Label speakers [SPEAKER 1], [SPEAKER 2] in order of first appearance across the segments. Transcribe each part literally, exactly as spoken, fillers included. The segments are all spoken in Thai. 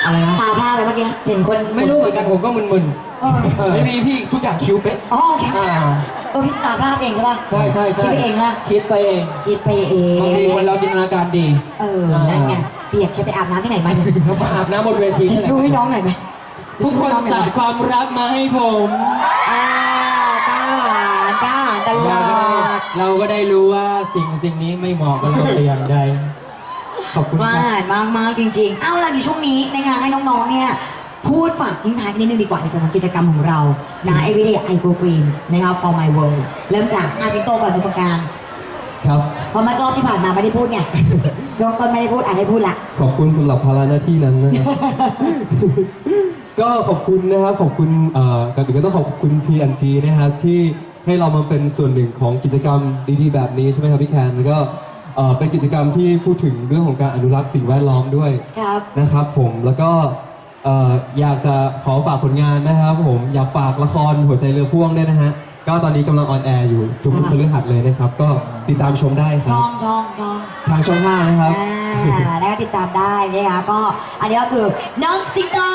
[SPEAKER 1] อะไรนะ
[SPEAKER 2] ตาพร่าเลยเมื่อกี้เห็นคน
[SPEAKER 1] ไม่รู้เหมือนกันผมก็มึน
[SPEAKER 2] เออ
[SPEAKER 1] ๆเออ
[SPEAKER 3] ไม่มีพี่ทุกอย่างคิวเป๊ะ
[SPEAKER 2] อ๋อโอเค
[SPEAKER 1] อ่า
[SPEAKER 2] เออพี่ตาพร่าเองใช่ป่ะ
[SPEAKER 1] ใช่ใช่ใช่
[SPEAKER 2] คิดไปเองนะ
[SPEAKER 1] คิดไปเอง
[SPEAKER 2] คิดไปเอง
[SPEAKER 1] บางทีคนเราจินตนาการดี
[SPEAKER 2] เออนั่นไงเปียกจะไปอาบน้ำที่ไหนมาเนี่ย
[SPEAKER 1] เรามาอาบน้ำบนเวที
[SPEAKER 2] จะช่วยให้น้องหน่อยไหม
[SPEAKER 1] ทุกคนสาดความรักมาให้ผม
[SPEAKER 2] อ่ากล้าหาญกล้าหาญตล
[SPEAKER 1] เรา
[SPEAKER 2] อ
[SPEAKER 1] ก็ได้
[SPEAKER 2] ด
[SPEAKER 1] เราก็ได้รู้ว่าสิ่งสิ่งนี้ไม่เหมาะกับเราแต่อย่างใดขอบคุณ
[SPEAKER 2] ว่า
[SPEAKER 1] ครับ
[SPEAKER 2] มากมากๆจริงๆ เอ้าล่ะในช่วงนี้นะคะให้น้องๆ เนี่ยพูดฝากทิ้งท้ายกันนิดนึงดีกว่าในส่วนของกิจกรรมของเรานะ Everyday I Go Green นะครับ For My World เริ่มจากอาจิงโตก่อนตรงกลาง
[SPEAKER 4] ครับ
[SPEAKER 2] เพราะเมื่อรอบที่ผ่านมาไม่ได้พูดไง จงต้นไม่ได้พูดอ่านให้พูดละ
[SPEAKER 4] ขอบคุณสำหรับภาระหน้าที่นั้นนะครับ ก็ขอบคุณนะครับขอบคุณเอ่อก่อนอื่นก็ต้องขอบคุณ พี แอนด์ จี นะครับที่ให้เรามาเป็นส่วนหนึ่งของกิจกรรมดีๆแบบนี้ใช่ไหมครับพี่แคนแล้วก็เอ่อเป็นกิจกรรมที่พูดถึงเรื่องของการอนุรักษ์สิ่งแวดล้อมด้วย
[SPEAKER 2] ครับ
[SPEAKER 4] นะครับผมแล้วก็เอ่ออยากจะขอฝากผลงานนะครับผมอยากฝากละครหัวใจเรือพ่วงด้วยนะฮะก็ตอนนี้กำลังออนแอร์อยู่ทุก
[SPEAKER 2] ค่ะ
[SPEAKER 4] พฤหัสเลยนะครับ ก็ติดตามชมได้ค
[SPEAKER 2] ช่
[SPEAKER 4] รั
[SPEAKER 2] อบ งช่องช่อง
[SPEAKER 4] ทางช่องห้านะครับ
[SPEAKER 2] อ่าแล้วก็ติดตามได้นะคะก็อันนี้ก็คือน้องสิงโต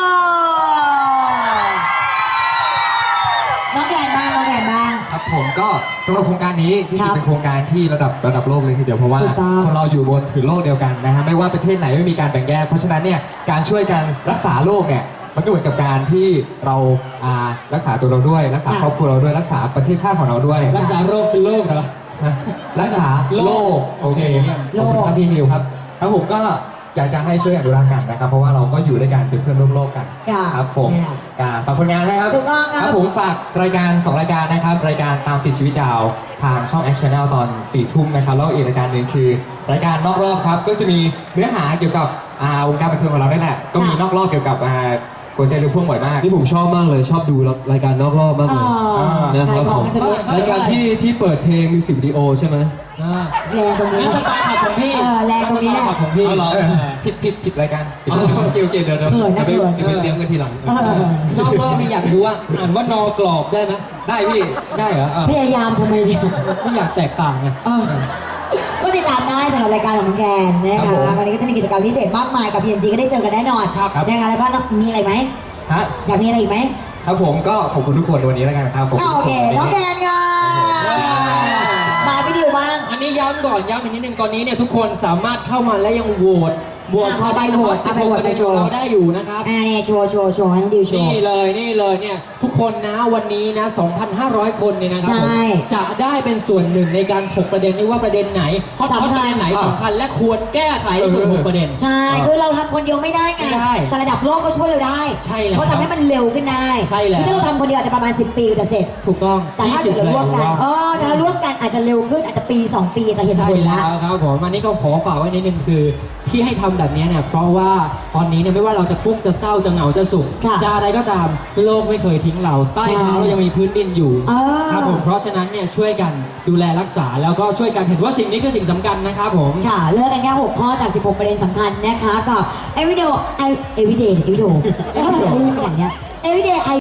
[SPEAKER 2] น้องแกนบ้างน้องแกนบ้าง
[SPEAKER 3] ครับผมก็สำหรับโครงการนี้ที่
[SPEAKER 2] ครั
[SPEAKER 3] จริ
[SPEAKER 2] บ
[SPEAKER 3] งเป็นโครงการที่ระดับระดับโลกเลยทีเดียวเพราะว่า
[SPEAKER 2] ถูกต้อง
[SPEAKER 3] คนเราอยู่บนผืนโลกเดียวกันนะฮะไม่ว่าประเทศไหนไม่มีการแบ่งแยกเพราะฉะนั้นเนี่ยการช่วยกันรักษาโลกเนี่ยมันก็เหมือนกับการที่เราอ่ารักษาตัวเราด้วย รักษาครอบครัวเราด้วยรักษาประเทศชาติของเราด้วย
[SPEAKER 1] รักษาโรคเป็นโรคเหรอ
[SPEAKER 3] นะรักษาโลกโอเค
[SPEAKER 2] โลก
[SPEAKER 3] ขอบคุณครับพี่นิวครับครับผมก็อยากจะให้ช่วยอนุรักษ์กันนะครับ เพราะว่าเราก็อยู่ด้วยกันเป็นเพื่อนร่วมโลกกัน
[SPEAKER 2] ค่ะ
[SPEAKER 3] ครับผม
[SPEAKER 2] เนี่ย
[SPEAKER 3] การฝากผลงานนะครับ
[SPEAKER 2] ถูกต้องครับ
[SPEAKER 3] ผมฝากรายการสองรายการนะครับ รายการตามติดชีวิตดาวทางช่อง Action Channel ตอนสี่ทุ่มนะครับแล้วอีกรายการหนึ่งคือ รายการนอกรอบครับก็จะมีเนื้อหาเกี่ยวกับอ่าวงการบันเทิงของเราได้แหละก็มีนอกรอบเกี่ยวกับอ่าหัวใจเรือพ่วงบ่อยมาก
[SPEAKER 4] นี่ผมชอบมากเลยชอบดูรายการนอกรอบมาก
[SPEAKER 2] อ๋
[SPEAKER 4] เล
[SPEAKER 2] อย
[SPEAKER 4] นะค
[SPEAKER 2] ขา
[SPEAKER 4] รั
[SPEAKER 2] ย
[SPEAKER 4] บ
[SPEAKER 2] ขอ
[SPEAKER 4] ผ
[SPEAKER 2] ง
[SPEAKER 4] ม
[SPEAKER 2] กันสักนิด
[SPEAKER 4] รายการที่ที่เปิดเพลงมิวสิกวิดีโอใช่ไหม
[SPEAKER 1] อ่า
[SPEAKER 2] แรงตรงนี้
[SPEAKER 1] งั้นสไตล์ขับของพี่
[SPEAKER 2] เออแรงตรงนี้แหละ
[SPEAKER 1] ขับของพี่
[SPEAKER 4] เอาเหรอ
[SPEAKER 1] เออ
[SPEAKER 3] ผิดผิดผิดรายการผิด
[SPEAKER 4] อ๋อ
[SPEAKER 3] รายการ
[SPEAKER 4] โอเคโอเคเดี๋ยวเดี๋ยว
[SPEAKER 2] เขินนะ
[SPEAKER 4] เดี๋ยวไป
[SPEAKER 2] เขิน
[SPEAKER 4] เดี๋ยวไปเตรียมกันทีหลัง
[SPEAKER 2] เออ
[SPEAKER 1] นอกรอบนี่อยากรู้ว่าอ่านว่านอกรอบได้ไหม
[SPEAKER 3] ได้พี่
[SPEAKER 1] ได้เหรออ่ะ
[SPEAKER 2] พยายามทำไมเนี่ย
[SPEAKER 1] ไม่อยากแตกต่างไง
[SPEAKER 2] เออก็ติดตามได้สำหรับรายการของน้องแกนนะ
[SPEAKER 3] ครั
[SPEAKER 2] คะ
[SPEAKER 3] บผม
[SPEAKER 2] วันนี้ก็จะมีกิจกรรมพิเศษมากมายกับ พี เอ็น จี ก็ได้เจอกันแน่นอน
[SPEAKER 3] ครับครับ
[SPEAKER 2] นะคะแล้วก็มีอะไรไหม
[SPEAKER 3] ฮะ
[SPEAKER 2] อยากมีอะไรอีกไหม
[SPEAKER 3] ครับผมก็ขอบคุณทุกคนวันนี้แล้วกันนะครับขอบคุณ
[SPEAKER 2] อ่ะ
[SPEAKER 3] ทุ
[SPEAKER 2] โอก
[SPEAKER 3] ค
[SPEAKER 2] เคน น้องแกนค่ะมาพี่ดิวบ้าง
[SPEAKER 1] อันนี้ย้ำก่อนย้ำอีกนิดนึงตอนนี้เนี่ยทุกคนสามารถเข้ามาและยังโหวตโหวต
[SPEAKER 2] อ่ะเอาไปโหวตเอาไปโหวต
[SPEAKER 1] ในโชว์เราได้อยู่นะครับ
[SPEAKER 2] อ่าเนี่ยโชว์โชว์โชว์ให้น้องดิวโชว์
[SPEAKER 1] นี่เลยนี่เลยเนี่ยทุกคนนะวันนี้นะ สองพันห้าร้อย คนเนี่ยนะครับ
[SPEAKER 2] ใช่
[SPEAKER 1] ผมจะได้เป็นส่วนหนึ่งในการถกประเด็นนี้ว่าประเด็นไหนฮอตฮอต
[SPEAKER 2] สำคัญ
[SPEAKER 1] ประเด็นไหนสำคัญและควรแก้ไขในส่วนของประเด็น
[SPEAKER 2] ใช่ คือเราทำคนเดียวไม่ได้ไง
[SPEAKER 1] ไม่ได้
[SPEAKER 2] แต่ระดับโลกก็ช่วยเราได้
[SPEAKER 1] ใช่แล้ว
[SPEAKER 2] เขาทำให้มันเร็วขึ้นได้
[SPEAKER 1] ใช่แล้ว
[SPEAKER 2] คือถ้าเราทำคนเดียวอาจจะประมาณสิบปีจะเสร็จ
[SPEAKER 1] ถูกต้อง
[SPEAKER 2] แต่ถ้าเกิดเราร่วมกันเออถ้าร่วมกันอาจจะเร็วขึ้นอาจจะปีสองปีจะเห็น
[SPEAKER 1] ใช่
[SPEAKER 2] ผล
[SPEAKER 1] แล้
[SPEAKER 2] ละ
[SPEAKER 1] วครับผมอันนี้ก็ขอฝากไว้นิดนึงคือที่ให้ทำแบบนี้เนี่ยเพราะว่าตอนนี้เนี่ยไม่ว่าเราจะทุกข์จะเศร้าจะเหงาจะสุข
[SPEAKER 2] ค่ะ
[SPEAKER 1] จะอะไรก็ตามโลกไม่เคยทิ้งเราใต้เท้า
[SPEAKER 2] ใช่
[SPEAKER 1] เรายังมีพื้นดินอยู่
[SPEAKER 2] เออ
[SPEAKER 1] ครับผมเพราะฉะนั้นเนี่ยช่วยกันดูแลรักษาแล้วก็ช่วยกันเห็นว่าสิ่งนี้คือสิ่งสำคัญนะครับผม
[SPEAKER 2] ค่ะเลือกกันแค่หกข้อจากสิบหกประเด็นสำคัญนะคะกับ everyday everyday everyday เออลืมไปอย่างเงี้ย everyday